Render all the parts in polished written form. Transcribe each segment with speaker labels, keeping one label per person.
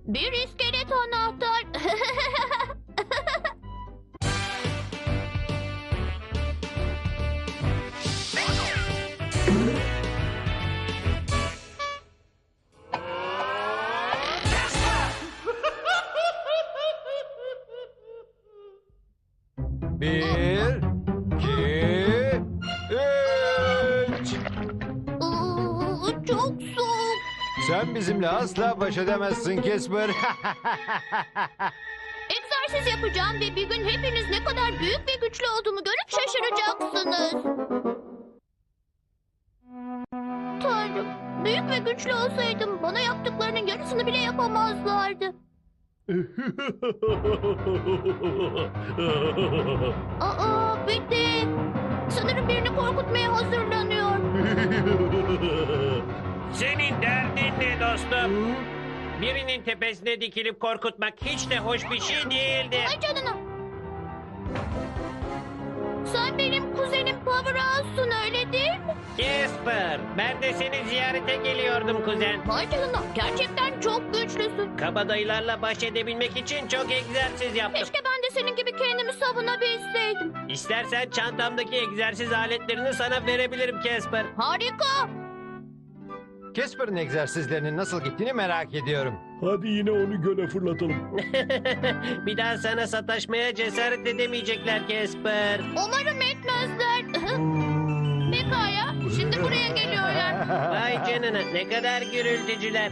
Speaker 1: Bir iskelet anahtar.
Speaker 2: Bir, iki, üç.
Speaker 1: Çok soğuk.
Speaker 2: Sen bizimle asla baş edemezsin Casper.
Speaker 1: Egzersiz yapacağım ve bir gün hepiniz ne kadar büyük ve güçlü olduğumu görüp şaşıracaksınız. Tanrım, büyük ve güçlü olsaydım bana yaptıklarının yarısını bile yapamazlardı. Aa, bitti. Sanırım birini korkutmaya hazırlanıyor.
Speaker 3: Senin derdin ne dostum? Birinin tepesine dikilip korkutmak hiç de hoş bir şey değildir.
Speaker 1: Ay canına. Sen benim kuzenim Powerhouse'sun öyle değil mi?
Speaker 3: Casper, ben de seni ziyarete geliyordum kuzen.
Speaker 1: Vay canına, gerçekten çok güçlüsün.
Speaker 3: Kabadayılarla baş edebilmek için çok egzersiz yaptım.
Speaker 1: Keşke ben de senin gibi kendimi savunabilseydim.
Speaker 3: İstersen çantamdaki egzersiz aletlerini sana verebilirim Casper.
Speaker 1: Harika.
Speaker 2: Casper'ın egzersizlerinin nasıl gittiğini merak ediyorum.
Speaker 4: Hadi yine onu göle fırlatalım.
Speaker 3: Bir daha sana sataşmaya cesaret edemeyecekler Casper.
Speaker 1: Umarım etmezler. Pekala, şimdi buraya geliyorlar.
Speaker 3: Vay canına, ne kadar gürültücüler.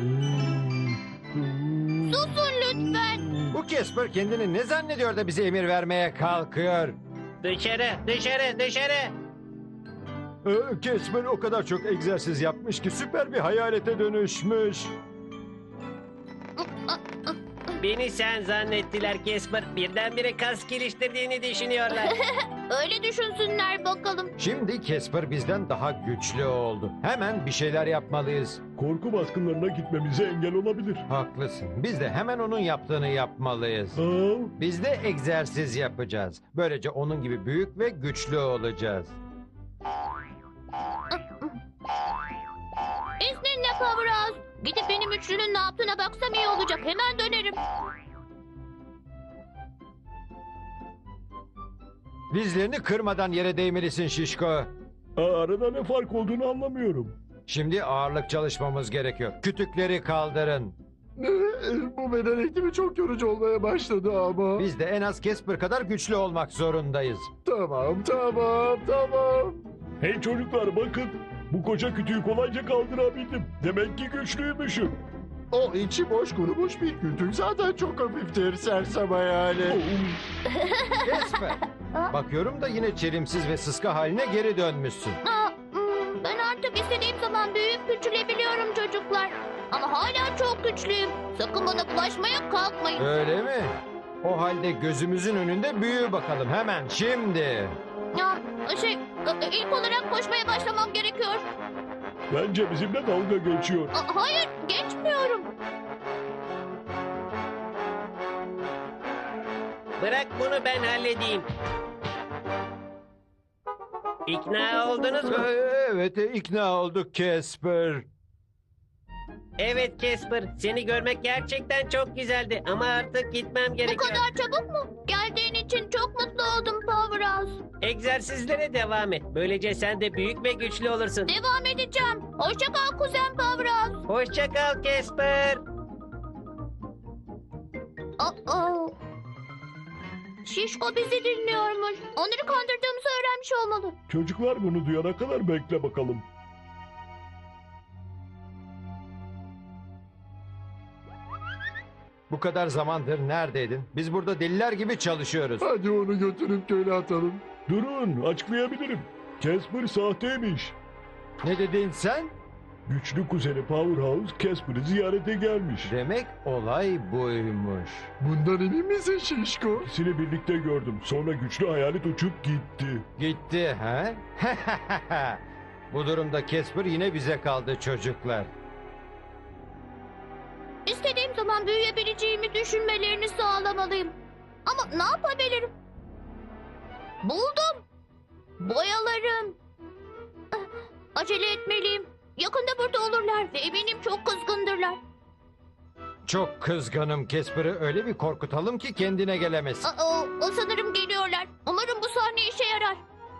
Speaker 1: Susun lütfen.
Speaker 2: Bu Casper kendini ne zannediyor da bize emir vermeye kalkıyor?
Speaker 3: Dışarı, dışarı, dışarı.
Speaker 2: Casper o kadar çok egzersiz yapmış ki süper bir hayalete dönüşmüş.
Speaker 3: Beni sen zannettiler Casper. Birdenbire kas geliştirdiğini düşünüyorlar.
Speaker 1: Öyle düşünsünler bakalım.
Speaker 2: Şimdi Casper bizden daha güçlü oldu. Hemen bir şeyler yapmalıyız.
Speaker 4: Korku baskınlarına gitmemize engel olabilir.
Speaker 2: Haklısın. Biz de hemen onun yaptığını yapmalıyız. Biz de egzersiz yapacağız. Böylece onun gibi büyük ve güçlü olacağız.
Speaker 1: İzninle Powerhouse. Gidip benim üçlünün ne yaptığına baksam iyi olacak. Hemen dönerim.
Speaker 2: Dizlerini kırmadan yere değmelisin Şişko.
Speaker 4: Arada ne fark olduğunu anlamıyorum.
Speaker 2: Şimdi ağırlık çalışmamız gerekiyor. Kütükleri kaldırın.
Speaker 5: Bu beden eğitimi çok yorucu olmaya başladı ama.
Speaker 2: Biz de en az Casper kadar güçlü olmak zorundayız.
Speaker 5: Tamam.
Speaker 4: Hey çocuklar bakın. Bu koca kütüğü kolayca kaldırabildim. Demek ki güçlüymüşüm.
Speaker 5: O içi boş kurumuş bir kütük zaten çok hafiftir sersem hayali.
Speaker 2: Casper, bakıyorum da yine çelimsiz ve sıska haline geri dönmüşsün.
Speaker 1: Ben artık istediğim zaman büyüyüp küçülebiliyorum çocuklar. Ama hala çok güçlüyüm. Sakın bana bulaşmaya kalkmayın.
Speaker 2: Öyle mi? O halde gözümüzün önünde büyü bakalım hemen şimdi.
Speaker 1: Ya, ilk olarak koşmaya başlamam gerekiyor.
Speaker 4: Bence bizimle dalga geçiyor.
Speaker 1: Hayır, geçmiyorum.
Speaker 3: Bırak bunu ben halledeyim. İkna oldunuz mu?
Speaker 2: Evet, ikna olduk Casper.
Speaker 3: Evet Casper, seni görmek gerçekten çok güzeldi ama artık gitmem
Speaker 1: Bu
Speaker 3: gerekiyor.
Speaker 1: kadar çabuk mu? Geldiğin için çok mutlu oldum Powerhouse.
Speaker 3: Egzersizlere devam et. Böylece sen de büyük ve güçlü olursun.
Speaker 1: Devam edeceğim. Hoşça kal kuzen Powerhouse.
Speaker 3: Hoşça kal Casper.
Speaker 1: Şişko bizi dinliyormuş. Onları kandırdığımızı öğrenmiş olmalı.
Speaker 4: Çocuklar bunu duyana kadar bekle bakalım.
Speaker 2: Bu kadar zamandır neredeydin? Biz burada deliler gibi çalışıyoruz.
Speaker 5: Hadi onu götürüp göle atalım.
Speaker 4: Durun açıklayabilirim. Casper sahteymiş.
Speaker 2: Ne dedin sen?
Speaker 4: Güçlü kuzeni Powerhouse Casper'ı ziyarete gelmiş.
Speaker 2: Demek olay buymuş.
Speaker 5: Bundan emin misin Şişko?
Speaker 4: İkisini birlikte gördüm. Sonra güçlü hayalet uçup gitti.
Speaker 2: Gitti ha? Bu durumda Casper yine bize kaldı çocuklar.
Speaker 1: İstediğim zaman büyüyebileceğimi düşünmelerini sağlamalıyım. Ama ne yapabilirim? Buldum. Boyalarım. Acele etmeliyim. Yakında burada olurlar ve eminim çok kızgındırlar.
Speaker 2: Çok kızgınım. Casper'ı öyle bir korkutalım ki kendine gelemesin.
Speaker 1: O sanırım geliyorlar. Umarım bu sahne işe yarar.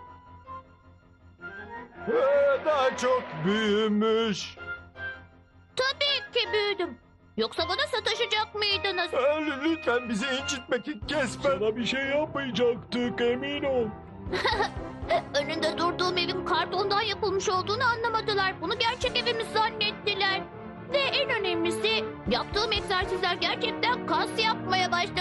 Speaker 2: Daha çok büyümüş.
Speaker 1: Tabii ki büyüdüm. Yoksa bana sataşacak mıydınız?
Speaker 2: Lütfen bizi incitme Casper.
Speaker 4: Sana bir şey yapmayacaktık, emin ol.
Speaker 1: Önünde durduğum evin kartondan yapılmış olduğunu anlamadılar. Bunu gerçek evimiz zannettiler. Ve en önemlisi yaptığım egzersizler gerçekten kas yapmaya başladı.